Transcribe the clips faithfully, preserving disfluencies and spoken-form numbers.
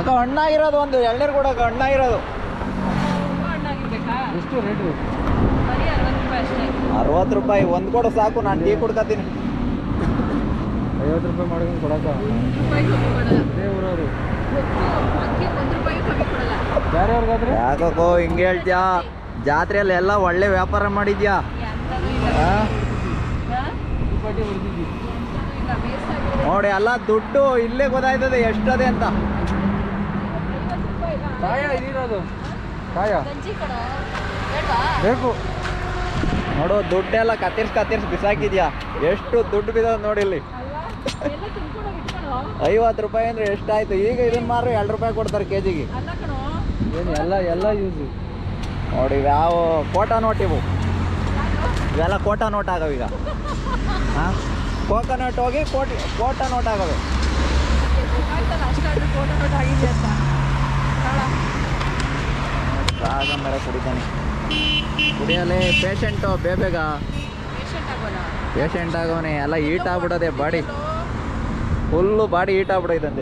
ಅಕ್ಕ ಹಣ್ಣಾಗಿರೋದು ಒಂದು ಎಳ್ನೀರು ಕೊಡಕ್ಕ ಹಣ್ಣಾಗಿರೋದು ಎಷ್ಟು ರೇಟು? ಅರವತ್ತು ರೂಪಾಯಿ ಒಂದು ಕೊಡು ಸಾಕು, ನಾನು ಟೀ ಕುಡ್ಕತೀನಿ. ಐವತ್ತು ರೂಪಾಯಿ ಮಾಡ್ಕೊಂಡು ಕೊಡಕ್ಕ ಅದೇ ಊರವರು ಯಾರ್ಯಾರಿಗಾದ್ರೆ ಯಾಕೋ ಹಿಂಗೆ ಹೇಳ್ತೀಯಾ? ಜಾತ್ರೆಯಲ್ಲಿ ಎಲ್ಲ ಒಳ್ಳೆ ವ್ಯಾಪಾರ ಮಾಡಿದ್ಯಾ? ನೋಡಿ ಎಲ್ಲ ದುಡ್ಡು ಇಲ್ಲೇ ಗೊತ್ತಾಯ್ತದೆ ಎಷ್ಟದೆ ಅಂತ. ಕಾಯ ಇದಿರೋದು ಕಾಯ ಬೇಕು ನೋಡು, ದುಡ್ಡೆಲ್ಲ ಕತ್ತಿರ್ಸ್ ಕತ್ತಿರ್ಸ್ ಬಿಸಾಕಿದ್ಯಾ. ಎಷ್ಟು ದುಡ್ಡು ಬಿದ್ದದ ನೋಡಿ ಇಲ್ಲಿ. ಐವತ್ತು ರೂಪಾಯಿ ಅಂದ್ರೆ ಎಷ್ಟಾಯ್ತು? ಈಗ ಇದನ್ನ ಮಾರು ಎರಡು ರೂಪಾಯಿ ಕೊಡ್ತಾರೆ ಕೆ ಜಿಗೆ. ಏನು ಎಲ್ಲ ಎಲ್ಲ ಯೂಸು ನೋಡಿ ಯಾವ ಕೋಟಾ ನೋಟ್ ಇವು, ಇವೆಲ್ಲ ಕೋಟಾ ನೋಟ್ ಆಗವೆ ಈಗ. ಹಾಂ, ಕೋಕೋನಟ್ ಹೋಗಿ ಕೋಟಿ ಕೋಟಾ ನೋಟ್ ಆಗವೆ. ಆಗ ಮೇಲೆ ಕುಡಿತಾನೆ, ಕುಡಿಯಲೇ ಪೇಷಂಟು ಬೇಬೇಗ ಪೇಷಂಟ್ ಆಗೋನೆ. ಎಲ್ಲ ಹೀಟ್ ಆಗ್ಬಿಡೋದೆ ಬಾಡಿ, ಫುಲ್ಲು ಬಾಡಿ ಹೀಟ್ ಆಗ್ಬಿಡೋದಂತೆ.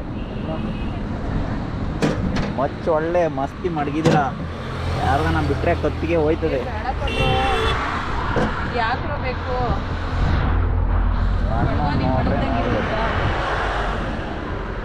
ಮಚ್ಚು ಒಳ್ಳೆ ಮಸ್ತಿ ಮಡಗಿದ್ದೀರ. ಯಾರ್ದನ ಬಿಟ್ಟರೆ ಕತ್ತಿಗೆ ಹೋಯ್ತದೆ. ಯಾಕೆ ಬೇಕು?